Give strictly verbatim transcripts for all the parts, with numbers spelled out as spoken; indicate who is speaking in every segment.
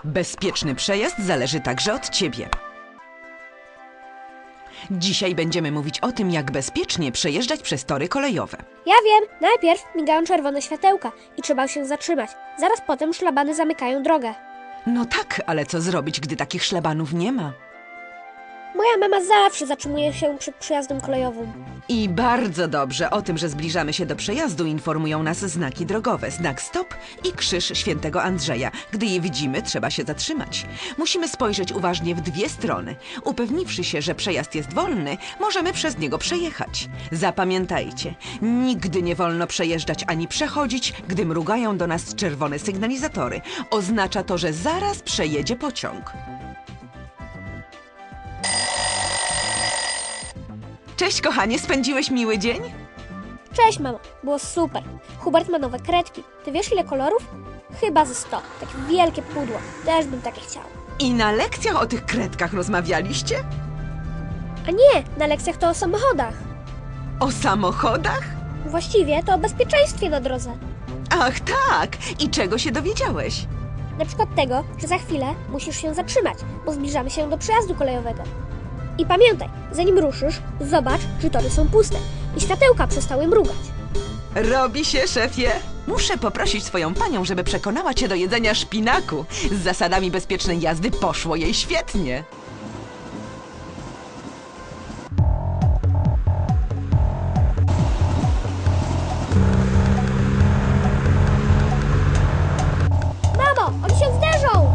Speaker 1: Bezpieczny przejazd zależy także od ciebie. Dzisiaj będziemy mówić o tym, jak bezpiecznie przejeżdżać przez tory kolejowe.
Speaker 2: Ja wiem, najpierw migają czerwone światełka i trzeba się zatrzymać. Zaraz potem szlabany zamykają drogę.
Speaker 1: No tak, ale co zrobić, gdy takich szlabanów nie ma?
Speaker 2: Moja mama zawsze zatrzymuje się przed przejazdem kolejowym.
Speaker 1: I bardzo dobrze, o tym, że zbliżamy się do przejazdu, informują nas znaki drogowe. Znak stop i krzyż świętego Andrzeja. Gdy je widzimy, trzeba się zatrzymać. Musimy spojrzeć uważnie w dwie strony. Upewniwszy się, że przejazd jest wolny, możemy przez niego przejechać. Zapamiętajcie, nigdy nie wolno przejeżdżać ani przechodzić, gdy mrugają do nas czerwone sygnalizatory. Oznacza to, że zaraz przejedzie pociąg. Cześć, kochanie, spędziłeś miły dzień?
Speaker 2: Cześć, mamo. Było super. Hubert ma nowe kredki. Ty wiesz, ile kolorów? Chyba ze sto. Takie wielkie pudło. Też bym takie chciała.
Speaker 1: I na lekcjach o tych kredkach rozmawialiście?
Speaker 2: A nie, na lekcjach to o samochodach.
Speaker 1: O samochodach?
Speaker 2: Właściwie to o bezpieczeństwie na drodze.
Speaker 1: Ach tak! I czego się dowiedziałeś?
Speaker 2: Na przykład tego, że za chwilę musisz się zatrzymać, bo zbliżamy się do przejazdu kolejowego. I pamiętaj, zanim ruszysz, zobacz, czy tory są puste i światełka przestały mrugać.
Speaker 1: Robi się, szefie! Muszę poprosić swoją panią, żeby przekonała cię do jedzenia szpinaku. Z zasadami bezpiecznej jazdy poszło jej świetnie.
Speaker 2: Mamo, oni się zderzą!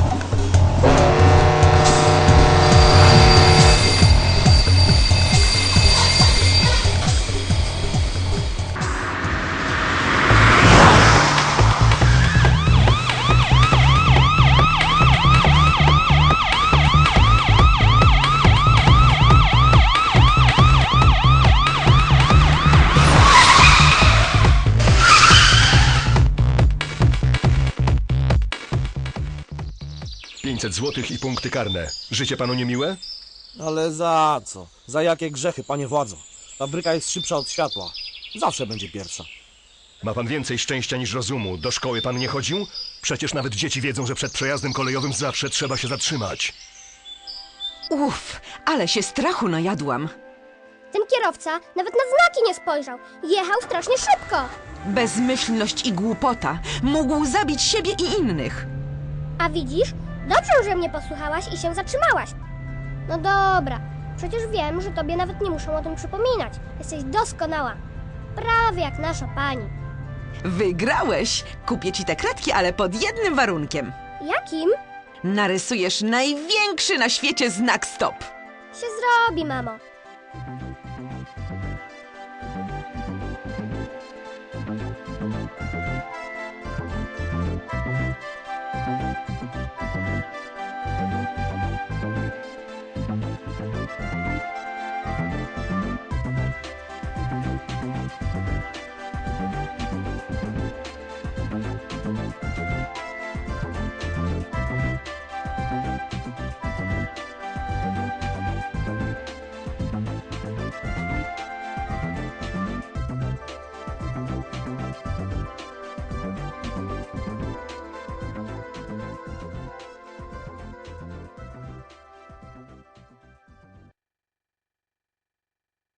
Speaker 3: pięćset złotych i punkty karne. Życie panu niemiłe?
Speaker 4: Ale za co? Za jakie grzechy, panie władzo? Ta bryka jest szybsza od światła. Zawsze będzie pierwsza.
Speaker 3: Ma pan więcej szczęścia niż rozumu. Do szkoły pan nie chodził? Przecież nawet dzieci wiedzą, że przed przejazdem kolejowym zawsze trzeba się zatrzymać.
Speaker 1: Uff, ale się strachu najadłam.
Speaker 2: Ten kierowca nawet na znaki nie spojrzał. Jechał strasznie szybko.
Speaker 1: Bezmyślność i głupota. Mógł zabić siebie i innych.
Speaker 2: A widzisz? Dobrze, że mnie posłuchałaś i się zatrzymałaś. No dobra, przecież wiem, że tobie nawet nie muszę o tym przypominać. Jesteś doskonała. Prawie jak nasza pani.
Speaker 1: Wygrałeś! Kupię ci te kredki, ale pod jednym warunkiem.
Speaker 2: Jakim?
Speaker 1: Narysujesz największy na świecie znak stop.
Speaker 2: Się zrobi, mamo.